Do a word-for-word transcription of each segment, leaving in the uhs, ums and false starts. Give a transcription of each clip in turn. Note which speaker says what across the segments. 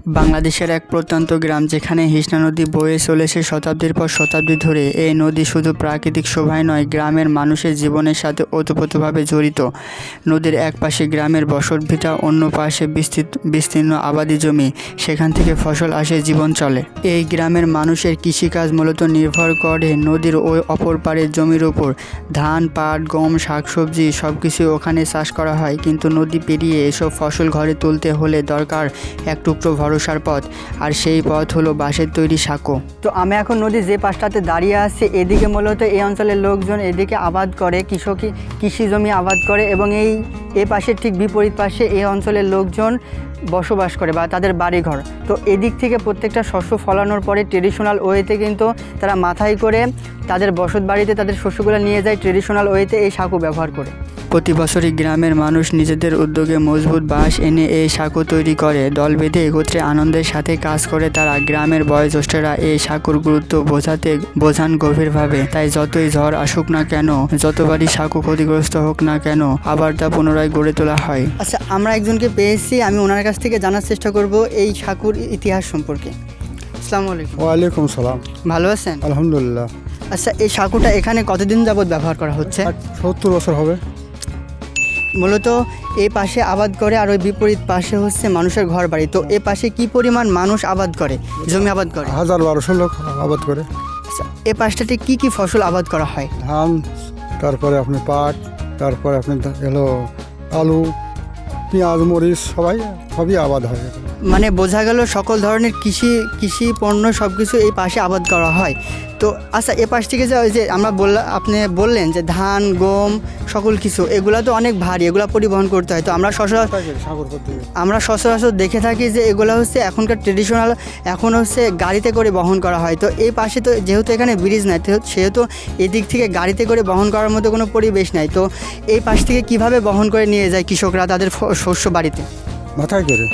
Speaker 1: বাংলাদেশের এক প্রত্যন্ত গ্রাম যেখানে হিসনা নদী বয়ে চলেছে শতাব্দীর পর শতাব্দী ধরে। এই নদী শুধু প্রাকৃতিক শোভায় নয়, গ্রামের মানুষের জীবনের সাথে ওতপ্রোতভাবে জড়িত। নদীর এক পাশে গ্রামের বসতভিটা, অন্য পাশে বিস্তৃত বিস্তীর্ণ আবাদি জমি, সেখান থেকে ফসল আসে, জীবন চলে। এই গ্রামের মানুষের কৃষিকাজ মূলত নির্ভর করে নদীর ওই অপর পাড়ের জমির উপর। ধান, পাট, গম, শাকসবজি সব কিছু ওখানে চাষ করা হয়। কিন্তু নদী পেরিয়ে এসব ফসল ঘরে তুলতে হলে দরকার এক টুকরো ভরসার পথ, আর সেই পথ হলো বাঁশের তৈরি সাঁকো। তো আমি এখন নদীর যে পাশটাতে দাঁড়িয়ে আছি, এদিকে মূলত এই অঞ্চলের লোকজন এদিকে আবাদ করে, কৃষকই কৃষি জমি আবাদ করে, এবং এই এ পাশের ঠিক বিপরীত পাশে এই অঞ্চলের লোকজন বসবাস করে বা তাদের বাড়িঘর। তো এদিক থেকে প্রত্যেকটা শস্য ফলানোর পরে ট্রেডিশনাল ওয়েতে কিন্তু তারা মাথায় করে তাদের বসত বাড়িতে তাদের শস্যগুলো নিয়ে যায়, ট্রেডিশনাল ওয়েতে এই সাঁকো ব্যবহার করে। প্রতি বছরই গ্রামের মানুষ নিজেদের উদ্যোগে মজবুত বাঁশ এনে এই সাঁকো তৈরি করে। দল বেঁধে একত্রে আনন্দের সাথে কাজ করে তারা। গ্রামের বয়োজ্যেষ্ঠরা এই সাঁকোর গুরুত্ব বোঝাতে বোঝান গভীরভাবে। তাই যতই ঝড় আসুক না কেন, যতবারই সাঁকো ক্ষতিগ্রস্ত হোক না কেন, আবার তা পুনরায় গড়ে তোলা হয়। আচ্ছা, আমরা একজনকে পেয়েছি, আমি ওনার কাছ থেকে জানার চেষ্টা করব এই সাঁকোর ইতিহাস সম্পর্কে। আসসালামু আলাইকুম।
Speaker 2: ওয়ালাইকুম সালাম।
Speaker 1: ভালো আছেন?
Speaker 2: আলহামদুলিল্লাহ।
Speaker 1: আচ্ছা, এই সাঁকোটা এখানে কতদিন যাবত ব্যবহার করা হচ্ছে?
Speaker 2: সত্তর বছর হবে।
Speaker 1: মূলত এই পাশে আবাদ করে আর ওই বিপরীত পাশে হচ্ছে মানুষের ঘর বাড়ি। তো এ পাশে কি পরিমাণ মানুষ আবাদ করে, জমি আবাদ করে?
Speaker 2: হাজার বারোশো লোক আবাদ করে।
Speaker 1: আচ্ছা, এ পাশটাতে কি কি ফসল আবাদ করা হয়?
Speaker 2: ধান, তারপরে আপনি পাট, তারপরে আপনি এলো আলু, পেঁয়াজ, মরিচ, সবাই সবই আবাদ হয়।
Speaker 1: মানে বোঝা গেল সকল ধরনের কৃষি কৃষি পণ্য সব কিছু এই পাশে আবাদ করা হয়। তো আচ্ছা, এ পাশ থেকে যে ওই যে আমরা বললাম, আপনি বললেন যে ধান, গম, সকল কিছু এগুলা তো অনেক ভারী, এগুলা পরিবহন করতে হয়। তো আমরা সচরাচর আমরা সচরাচর দেখে থাকি যে এগুলো হচ্ছে এখনকার ট্রেডিশনাল, এখন হচ্ছে গাড়িতে করে বহন করা হয়। তো এই পাশে তো যেহেতু এখানে ব্রিজ নাই, সেহেতু এদিক থেকে গাড়িতে করে বহন করার মতো কোনো পরিবেশ নাই। তো এই পাশ থেকে কিভাবে বহন করে নিয়ে যায় কৃষকরা তাদের শস্য বাড়িতে?
Speaker 2: মাথায় করে।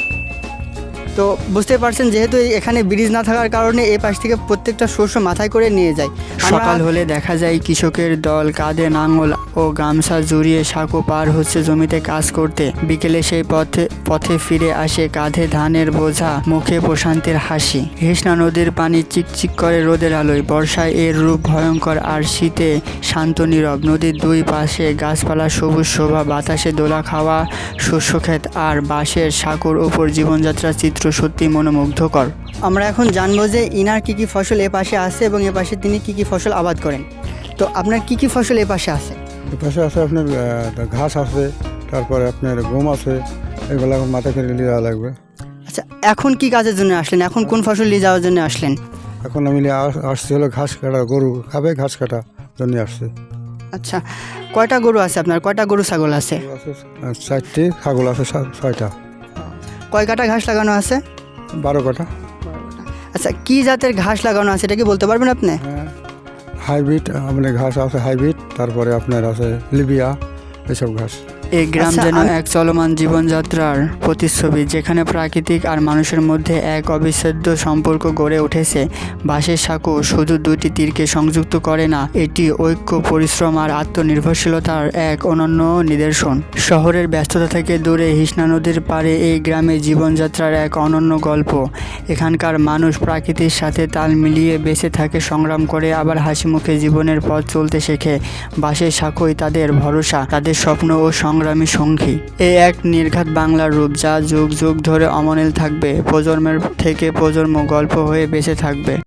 Speaker 1: তো বুঝতে পারছেন, যেহেতু এখানে ব্রিজ না থাকার কারণে এই পাশ থেকে প্রত্যেকটা শস্য মাথায় করে নিয়ে যায়। সকাল হলে দেখা যায় কৃষকের দল কাঁধে নাঙল ও গামছা জড়িয়ে সাঁকো পার হচ্ছে জমিতে কাজ করতে। বিকেলে সেই পথে পথে ফিরে আসে কাঁধে ধানের বোঝা, মুখে প্রশান্তির হাসি। হিসনা নদীর পানি চিকচিক করে রোদের আলোয়। বর্ষায় এর রূপ ভয়ঙ্কর, আর শীতে শান্ত নীরব। নদীর দুই পাশে গাছপালা, সবুজ শোভা, বাতাসে দোলা খাওয়া শস্যক্ষেত, আর বাঁশের সাঁকোর উপর জীবনযাত্রার চিত্র সত্যি মনোমুগ্ধকর। আমরা এখন জানবো যে ইনার কি কি ফসল এ পাশে আছে এবং এ পাশে তিনি কি কি ফসল আবাদ করেন। তো আপনার কি কি ফসল এ পাশে আছে?
Speaker 2: এ পাশে আছে আপনার ঘাস আছে, তারপরে আপনার গম আছে, এগুলো মাথায় করে নিয়ে যাওয়া লাগবে।
Speaker 1: আচ্ছা, এখন কি কাজের জন্য আসলেন? এখন কোন ফসল নিয়ে যাওয়ার জন্য আসলেন?
Speaker 2: এখন আমি আসছি হলো ঘাস কাটা, গরু খাবে, ঘাস কাটা জন্য আসছে।
Speaker 1: আচ্ছা, কয়টা গরু আছে আপনার? কয়টা গরু ছাগল আছে?
Speaker 2: চারটি, ছাগল আছে ছয়টা।
Speaker 1: কয় কাটা ঘাস লাগানো আছে?
Speaker 2: বারো কাটা।
Speaker 1: আচ্ছা, কি জাতের ঘাস লাগানো আছে এটা কি বলতে পারবেন আপনি?
Speaker 2: হাইব্রিড আপনার ঘাস আছে, হাইব্রিড, তারপরে আপনার আছে লিবিয়া, এসব ঘাস।
Speaker 1: এই গ্রাম যেন এক চলমান জীবনযাত্রার প্রতিচ্ছবি, যেখানে প্রাকৃতিক আর মানুষের মধ্যে এক অবিচ্ছেদ্য সম্পর্ক গড়ে উঠেছে। বাঁশের সাঁকো শুধু দুটি তীরকে সংযুক্ত করে না, এটি ঐক্য, পরিশ্রম আর আত্মনির্ভরশীলতার এক অনন্য নিদর্শন। শহরের ব্যস্ততা থেকে দূরে হিসনা নদীর পাড়ে এই গ্রামের জীবনযাত্রার এক অনন্য গল্প। এখানকার মানুষ প্রকৃতির সাথে তাল মিলিয়ে বেঁচে থাকে, সংগ্রাম করে, আবার হাসি মুখে জীবনের পথ চলতে শেখে। বাঁশের সাঁকোই তাদের ভরসা, তাদের স্বপ্ন ও সংগ্রামী সঙ্গী। এই এক নির্ঘাত বাংলার রূপ, যা যুগ যুগ ধরে অমলিন থাকবে, প্রজন্মের থেকে প্রজন্ম গল্প হয়ে বেঁচে থাকবে।